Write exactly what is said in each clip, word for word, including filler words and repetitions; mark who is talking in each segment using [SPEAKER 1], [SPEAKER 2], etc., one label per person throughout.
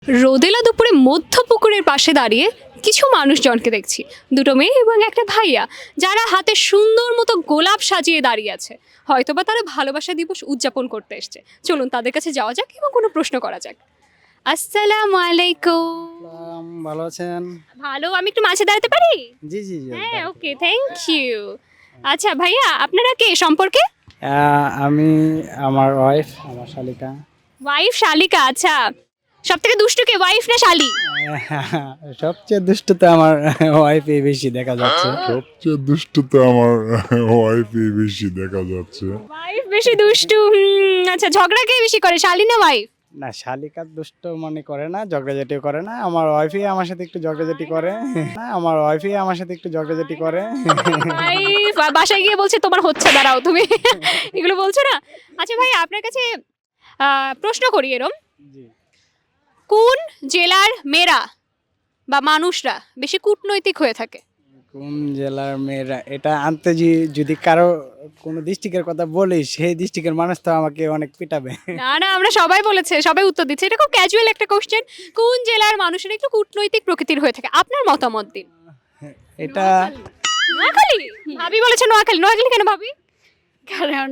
[SPEAKER 1] রোদেলা দুপুরে মধ্য পুকুরের পাশে দাঁড়িয়ে কিছু মানুষজনকে দেখছি, দুটো মেয়ে এবং একটা ভাইয়া, যারা হাতে সুন্দর মতো গোলাপ সাজিয়ে দাঁড়িয়ে আছে। হয়তোবা তারা ভালোবাসা দিবস উদযাপন করতে এসছে। চলুন তাদের কাছে যাওয়া যাক এবং কোনো প্রশ্ন করা যাক। আসসালামু আলাইকুম।
[SPEAKER 2] সালাম, ভালো আছেন?
[SPEAKER 1] ভালো, আমি একটু মাঝে দাঁড়াতে পারি?
[SPEAKER 2] জি জি জি
[SPEAKER 1] হ্যাঁ, ওকে, থ্যাংক ইউ। আচ্ছা ভাইয়া, আপনারা কে সম্পর্কে?
[SPEAKER 2] আহ, আমি আমার ওয়াইফ, আমার শালিকা।
[SPEAKER 1] ওয়াইফ শালিকা, আচ্ছা। সব থেকে দুষ্টু কে, ওয়াইফ না শালি?
[SPEAKER 2] সবচেয়ে দুষ্টুতে আমার ওয়াইফই বেশি দেখা যাচ্ছে।
[SPEAKER 3] সবচেয়ে দুষ্টুতে আমার ওয়াইফই বেশি দেখা যাচ্ছে।
[SPEAKER 1] ওয়াইফ বেশি দুষ্টু। হুম, আচ্ছা, ঝগড়া কে বেশি করে, শালি না ওয়াইফ?
[SPEAKER 2] না, শালিকা দুষ্ট মনে করে না, ঝগড়াঝাটি করে না। আমার ওয়াইফই আমার সাথে একটু ঝগড়াঝাটি করে। না, আমার ওয়াইফই আমার সাথে একটু ঝগড়াঝাটি করে।
[SPEAKER 1] ওয়াইফ বাসায় গিয়ে বলছে তোমার হচ্ছে, দাঁড়াও তুমি এগুলো বলছো না। আচ্ছা ভাই, আপনার কাছে আহ, প্রশ্ন করি এরম,
[SPEAKER 2] জি।
[SPEAKER 1] কোন জেলার মেয়েরা বা মানুষরা বেশি কূটনৈতিক হয়ে থাকে?
[SPEAKER 2] কোন জেলার মেয়েরা এটা আনতে যে- যদি কারো কোনো ডিস্ট্রিক্টের কথা বলি, সেই ডিস্ট্রিক্টের মানুষ তো আমাকে অনেক পিটাবে।
[SPEAKER 1] না না, আমরা সবাই বলেছে, সবাই উত্তর দিচ্ছে। এটা খুব ক্যাজুয়াল একটা কোশ্চেন। কোন জেলার মানুষেরা একটু কূটনৈতিক প্রকৃতির হয়ে থাকে? আপনার মতামত দিন।
[SPEAKER 2] এটা
[SPEAKER 1] নোয়াখালী? ভাবি বলেছে নোয়াখালী। নোয়াখালী কেন ভাবি?
[SPEAKER 4] কারণ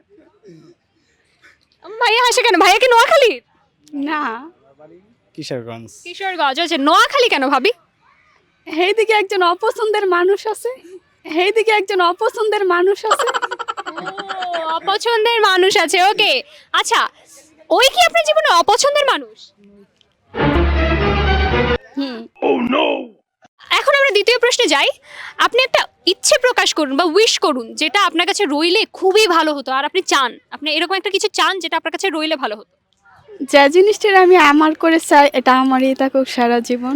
[SPEAKER 1] ভাইয়া হাসে কেন? ভাইয়া কি নোয়াখালী?
[SPEAKER 4] না,
[SPEAKER 2] কিশোরগঞ্জ।
[SPEAKER 1] কিশোরগঞ্জ। আচ্ছা, নোয়াখালী কেন ভাবি?
[SPEAKER 4] এইদিকে একজন অপছন্দের মানুষ আছে, এইদিকে একজন অপছন্দের মানুষ আছে।
[SPEAKER 1] ও, অপছন্দের মানুষ আছে, ওকে। আচ্ছা, ওই কি আপনার জীবনে অপছন্দের মানুষ?
[SPEAKER 4] হুম,
[SPEAKER 1] এখন আমরা দ্বিতীয় প্রশ্নে যাই। আপনি একটা ইচ্ছে প্রকাশ করুন বা উইশ করুন, যেটা আপনার কাছে রইলে খুবই ভালো হতো, আর আপনি চান, আপনি এরকম একটা কিছু চান যেটা আপনার কাছে রইলে ভালো হতো।
[SPEAKER 4] যে জিনিসটা আমি আমার করে চাই এটা আমারই থাকুক সারা জীবন।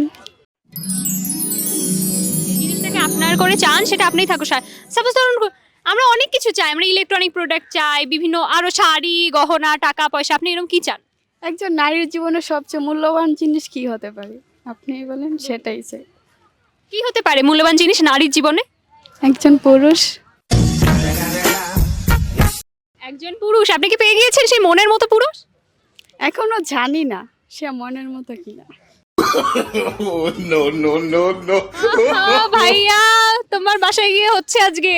[SPEAKER 1] যে জিনিসটাকে আপনার করে চান সেটা আপনিই থাকুক। সাপোজ ধরুন, আমরা অনেক কিছু চাই, আমরা ইলেকট্রনিক প্রোডাক্ট চাই, বিভিন্ন আরো শাড়ি, গহনা, টাকা পয়সা। আপনি এরকম কি চান?
[SPEAKER 4] একজন নারীর জীবনে সবচেয়ে মূল্যবান জিনিস কি হতে পারে আপনি বলেন, সেটাই চাই।
[SPEAKER 1] কি হতে পারে মূল্যবান জিনিস নারীর জীবনে?
[SPEAKER 4] একজন পুরুষ।
[SPEAKER 1] একজন পুরুষ। আপনি কি পেয়ে গিয়েছেন সেই মনের মতো পুরুষ?
[SPEAKER 4] এখনো জানি না সে মনের মতো কিনা।
[SPEAKER 1] আহা, ভাইয়া তোমার বাসায় গিয়ে হচ্ছে আজকে।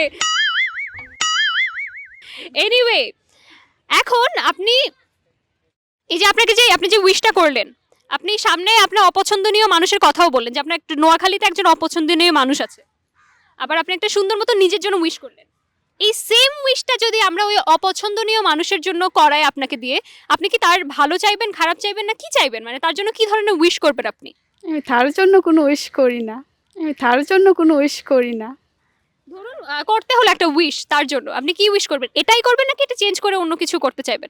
[SPEAKER 1] এনিওয়ে, এখন আপনি এই যে আপনাকে যে আপনি যে উইশটা করলেন, আপনি সামনে আপনার অপছন্দনীয় মানুষের কথাও বললেন যে আপনার একটা নোয়াখালীতে একজন অপছন্দনীয় মানুষ আছে, আবার আপনি একটা সুন্দর মতো নিজের জন্য উইশ করলেন। এই সেম উইশটা যদি আমরা ওই অপছন্দনীয় মানুষের জন্য করাই আপনাকে দিয়ে, আপনি কি তার ভালো চাইবেন, খারাপ চাইবেন, না কি চাইবেন? মানে তার জন্য কি ধরনের উইশ করবেন আপনি?
[SPEAKER 4] আমি তার জন্য কোনো উইশ করি না, আমি তার জন্য কোনো উইশ করি না।
[SPEAKER 1] ধরুন আহ, করতে হলো একটা উইশ, তার জন্য আপনি কি উইশ করবেন? এটাই করবেন নাকি এটা চেঞ্জ করে অন্য কিছু করতে চাইবেন?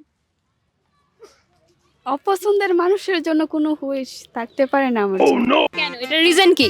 [SPEAKER 4] অপছন্দের মানুষের জন্য কোনো উইশ থাকতে পারে না আমার জন্য।
[SPEAKER 1] কেন, এটার রিজন কি?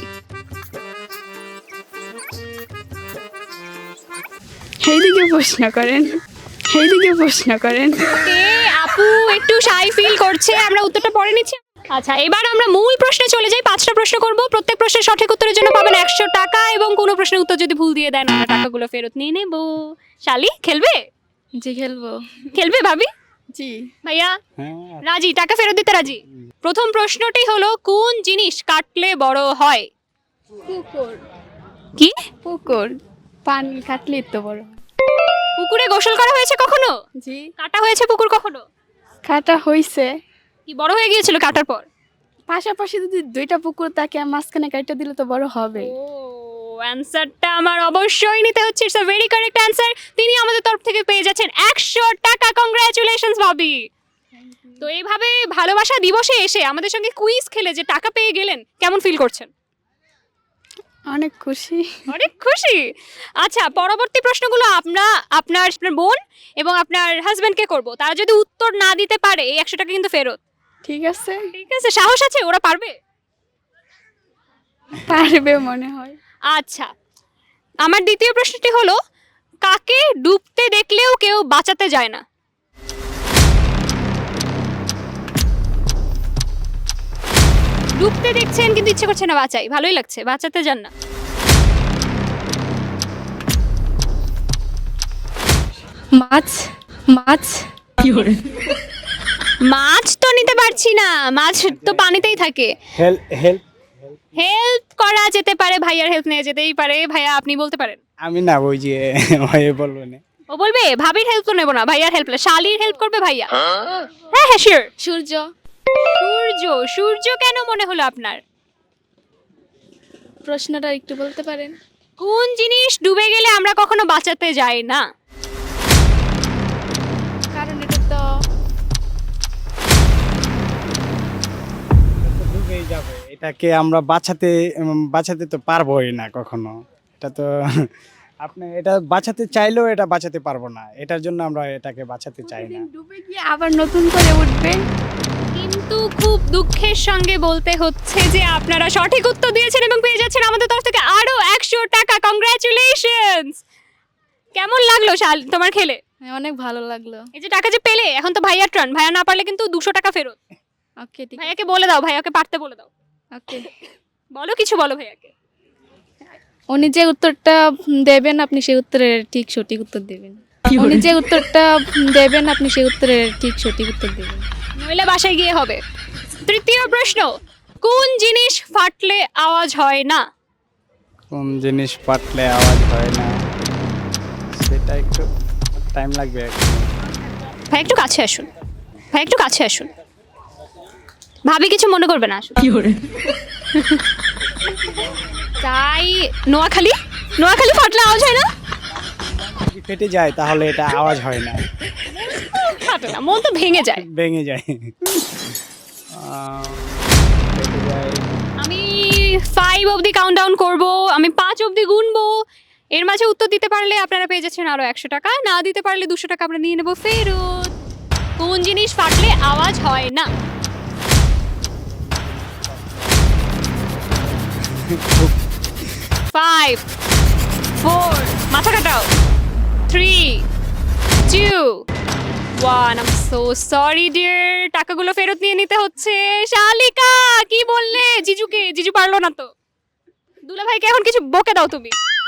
[SPEAKER 4] এইদিকে প্রশ্ন করেন, এইদিকে প্রশ্ন করেন।
[SPEAKER 1] কে আপু একটু শাই ফিল করছে, আমরা উত্তরটা পরে নিচ্ছি। আচ্ছা, এবার আমরা মূল প্রশ্নে চলে যাই। পাঁচটা প্রশ্ন করব, প্রত্যেক প্রশ্নের সঠিক উত্তরের জন্য পাবেন একশো টাকা, এবং কোনো প্রশ্নের উত্তর যদি ভুল দিয়ে দেন আমরা টাকাগুলো ফেরত নিয়ে নেব। শালি খেলবে?
[SPEAKER 4] জি খেলবো।
[SPEAKER 1] খেলবে ভাবি?
[SPEAKER 4] জি।
[SPEAKER 1] ভাইয়া
[SPEAKER 2] হ্যাঁ,
[SPEAKER 1] রাজি? টাকা ফেরত দিতে রাজি? প্রথম প্রশ্নটি হলো, কোন জিনিস কাটলে বড় হয়?
[SPEAKER 4] পুকুর।
[SPEAKER 1] কি?
[SPEAKER 4] পুকুর পানি কাটলে তো বড় হয়।
[SPEAKER 1] পুকুরে গোসল করা হয়েছে কখনো?
[SPEAKER 4] জি।
[SPEAKER 1] কাটা হয়েছে পুকুর কখনো?
[SPEAKER 4] কাটা হইছে।
[SPEAKER 1] কি বড় হয়ে গিয়েছিল কাটার পর?
[SPEAKER 4] পাশাপাশি যদি দুইটা পুকুর তাকে মাঝখানে কাটা দিলে তো বড় হবে।
[SPEAKER 1] ও, অ্যানসারটা আমার অবশ্যই নিতে হচ্ছে। It's a very correct answer. তিনি আমাদের তরফ থেকে পেয়ে যাচ্ছেন একশো টাকা। কংগ্রাচুলেশনস ভাবি। তো এইভাবে ভালোবাসা দিবসে এসে আমাদের সঙ্গে কুইজ খেলে যে টাকা পেয়ে গেলেন, কেমন ফিল করছেন?
[SPEAKER 4] অনেক খুশি।
[SPEAKER 1] অনেক খুশি। আচ্ছা, পরবর্তী প্রশ্নগুলো আমরা আপনার আপনার বোন এবং আপনার হাজবেন্ডকে করব। তারা যদি উত্তর না দিতে পারে, এই একশো টাকা কিন্তু ফেরত।
[SPEAKER 4] ঠিক আছে,
[SPEAKER 1] ঠিক আছে? সাহস আছে? ওরা পারবে?
[SPEAKER 4] পারবে মনে হয়।
[SPEAKER 1] আচ্ছা, আমার দ্বিতীয় প্রশ্নটি হলো, কাকে ডুবতে দেখলেও কেউ বাঁচাতে যায় না? ডুবতে দেখছেন কিন্তু ইচ্ছে করছে না বাঁচাই, ভালোই লাগছে, বাঁচাতে যান না।
[SPEAKER 4] মাছ, মাছ।
[SPEAKER 1] মাছ তো নিতে পারছি না, মাছ তো পানিতেই থাকে।
[SPEAKER 2] হেল্প হেল্প
[SPEAKER 1] হেল্প করা যেতে পারে, ভাইয়ার হেল্প নেওয়া যেতেই পারে। ভাইয়া আপনি বলতে পারেন।
[SPEAKER 2] আমি না, ওই যে হয়ে বলবো না।
[SPEAKER 1] ও বলবে ভাবির হেল্প তো নেবো না, ভাইয়ার হেল্প, শালির হেল্প করবে ভাইয়া। হ্যাঁ হ্যাঁ শিওর।
[SPEAKER 4] সূর্য।
[SPEAKER 1] সূর্য, সূর্য কেন মনে হলো আপনার?
[SPEAKER 4] প্রশ্নটা একটু বলতে পারেন?
[SPEAKER 1] কোন জিনিস ডুবে গেলে আমরা কখনো বাঁচাতে যাই না?
[SPEAKER 4] কারণ এটা তো
[SPEAKER 2] ডুবেই যাবে, এটাকে আমরা বাঁচাতে উম, বাঁচাতে তো পারবোই না কখনো। এটা তো আপনি এটা বাঁচাতে চাইলেও এটা বাঁচাতে পারবো না, এটার জন্য আমরা এটাকে বাঁচাতে চাই না।
[SPEAKER 4] ডুবে গিয়ে আবার নতুন করে উঠবে।
[SPEAKER 1] কিন্তু খুব দুঃখের সঙ্গে বলতে হচ্ছে যে আপনারা সঠিক উত্তর দিয়েছেন এবং পেয়ে যাচ্ছেন আমাদের তরফ থেকে আরো একশো টাকা। কংগ্রাচুলেশনস। কেমন লাগলো শাল তোমার খেলে?
[SPEAKER 4] হ্যাঁ, অনেক ভালো লাগলো।
[SPEAKER 1] এই যে টাকা যে পেলে, এখন তো ভাইয়ার টার্ন, ভাইয়া না পারলে কিন্তু দুশো টাকা ফেরত।
[SPEAKER 4] ওকে, ঠিক আছে।
[SPEAKER 1] ভাইয়াকে বলে দাও, ভাইয়াকে পারতে বলে দাও।
[SPEAKER 4] ওকে।
[SPEAKER 1] বলো, কিছু বলো ভাইয়াকে।
[SPEAKER 4] উনি যে উত্তরটা দেবেন আপনি সেই উত্তরের ঠিক সঠিক উত্তর দেবেন। উনি যে উত্তরটা দেবেন আপনি সেই উত্তরের ঠিক সঠিক উত্তর দেবেন।
[SPEAKER 1] নইলে বাসায় গিয়ে হবে। তৃতীয় প্রশ্ন, কোন জিনিস ফাটলে আওয়াজ হয় না?
[SPEAKER 2] কোন জিনিস পাটলে আওয়াজ হয় না, সেটা একটু টাইম লাগবে একটু।
[SPEAKER 1] ভাই একটু কাছে আসুন, ভাই একটু কাছে আসুন। ভাবি কিছু মনে করবে না, আসুন। তাই নোয়াখালী, নোয়াখালী ফাটলে আওয়াজ হয় না?
[SPEAKER 2] যদি ফেটে যায় তাহলে এটা আওয়াজ হয় না,
[SPEAKER 1] ফাটে না, মন তো ভেঙে যায়।
[SPEAKER 2] ভেঙে যায়। আহ, ফেটে যায়।
[SPEAKER 1] আমি ফাইভ অবধি কাউন্ট ডাউন করবো, আমি পাঁচ অবধি গুনবো। এর মাঝে উত্তর দিতে পারলে আপনারা পেয়ে যাচ্ছেন আরো একশো টাকা, না দিতে পারলে দুশো টাকা আমরা নিয়ে নেবো ফেরত। কোন জিনিস ফাটলে আওয়াজ হয় না? ফাইভ, ফোর, মাথা কাটাও, three, two, one. I am so sorry dear, টাকাগুলো ফেরত নিয়ে নিতে হচ্ছে। শালিকা কি বললে জিজুকে? জিজু পারলো না তো। দুলা ভাইকে এখন কিছু বকে দাও তুমি।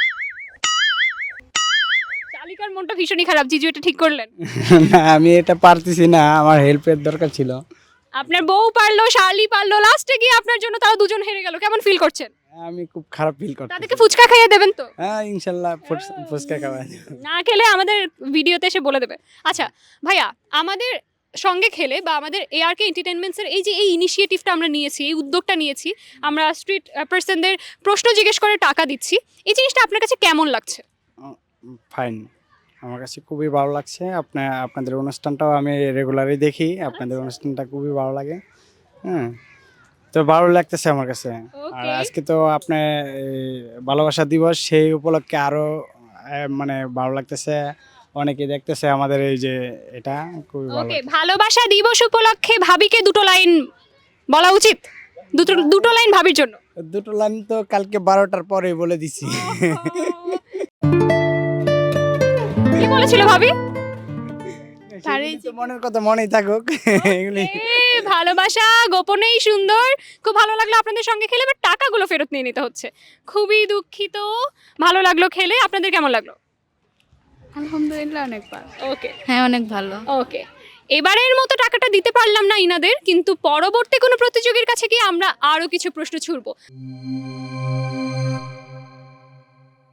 [SPEAKER 1] শালিকার মনটা ভীষণই খারাপ, জিজু এটা ঠিক করলেন।
[SPEAKER 2] না, আমি এটা পারতেছি না, আমার হেল্পের দরকার ছিল।
[SPEAKER 1] আপনার বউ পারলো, শালি পারলো, লাস্টে গিয়ে আপনার জন্য তারা দুজন হেরে গেল। কেমন ফিল করছেন?
[SPEAKER 2] আমি খুব খারাপ ফিল করতেছি।
[SPEAKER 1] তাদেরকে ফুচকা খাইয়ে দেবেন তো?
[SPEAKER 2] হ্যাঁ ইনশাল্লাহ, ফুচ- ফুচকা খাওয়া।
[SPEAKER 1] না খেলে আমাদের ভিডিওতে এসে বলে দেবে। আচ্ছা ভাইয়া, আমাদের সঙ্গে খেলে বা আমাদের এআরকে এন্টারটেনমেন্টসের এই যে এই ইনিশিয়েটিভটা আমরা নিয়েছি, এই উদ্যোগটা নিয়েছি, আমরা স্ট্রিট পার্সনদের প্রশ্ন জিজ্ঞেস করে টাকা দিচ্ছি, এই জিনিসটা আপনার কাছে কেমন লাগছে?
[SPEAKER 2] ফাইন, আমার কাছে খুবই ভালো লাগছে। আপনার আপনাদের অনুষ্ঠানটাও আমি রেগুলারই দেখি, আপনাদের অনুষ্ঠানটা খুবই ভালো লাগে। হ্যাঁ, তো ভালো লাগতেছে আমার কাছে। আর
[SPEAKER 1] Okay.
[SPEAKER 2] আজকে তো আপনার এই ভালোবাসা দিবস, সেই উপলক্ষে আরো আহ, মানে ভালো লাগতেছে। অনেকে দেখতেছে আমাদের এই যে এটা, খুবই ভালো।
[SPEAKER 1] ওকে, ভালোবাসা দিবস উপলক্ষে ভাবিকে দুটো লাইন বলা উচিত, দুটো দুটো লাইন ভাবির জন্য।
[SPEAKER 2] দুটো লাইন তো কালকে বারোটার পরে বলে দিছি।
[SPEAKER 1] কি বলেছিল ভাবি?
[SPEAKER 2] সেগুলি তো মনের কথা মনেই থাকুক। এগুলি
[SPEAKER 1] এ, ভালোবাসা গোপনেই সুন্দর। খুব ভালো লাগলো আপনাদের সঙ্গে খেলে, বাট টাকাগুলো ফেরত নিয়ে নিতে হচ্ছে। খুবই দুঃখিত। ভালো লাগলো খেলে, আপনাদের কেমন লাগলো?
[SPEAKER 4] আলহামদুলিল্লাহ অনেক ভালো।
[SPEAKER 1] ওকে
[SPEAKER 4] হ্যাঁ, অনেক ভালো।
[SPEAKER 1] ওকে, এবারের মতো টাকাটা দিতে পারলাম না ইনাদের, কিন্তু পরবর্তী কোনো প্রতিযোগীর কাছে গিয়ে আমরা আরো কিছু প্রশ্ন ছুড়বো।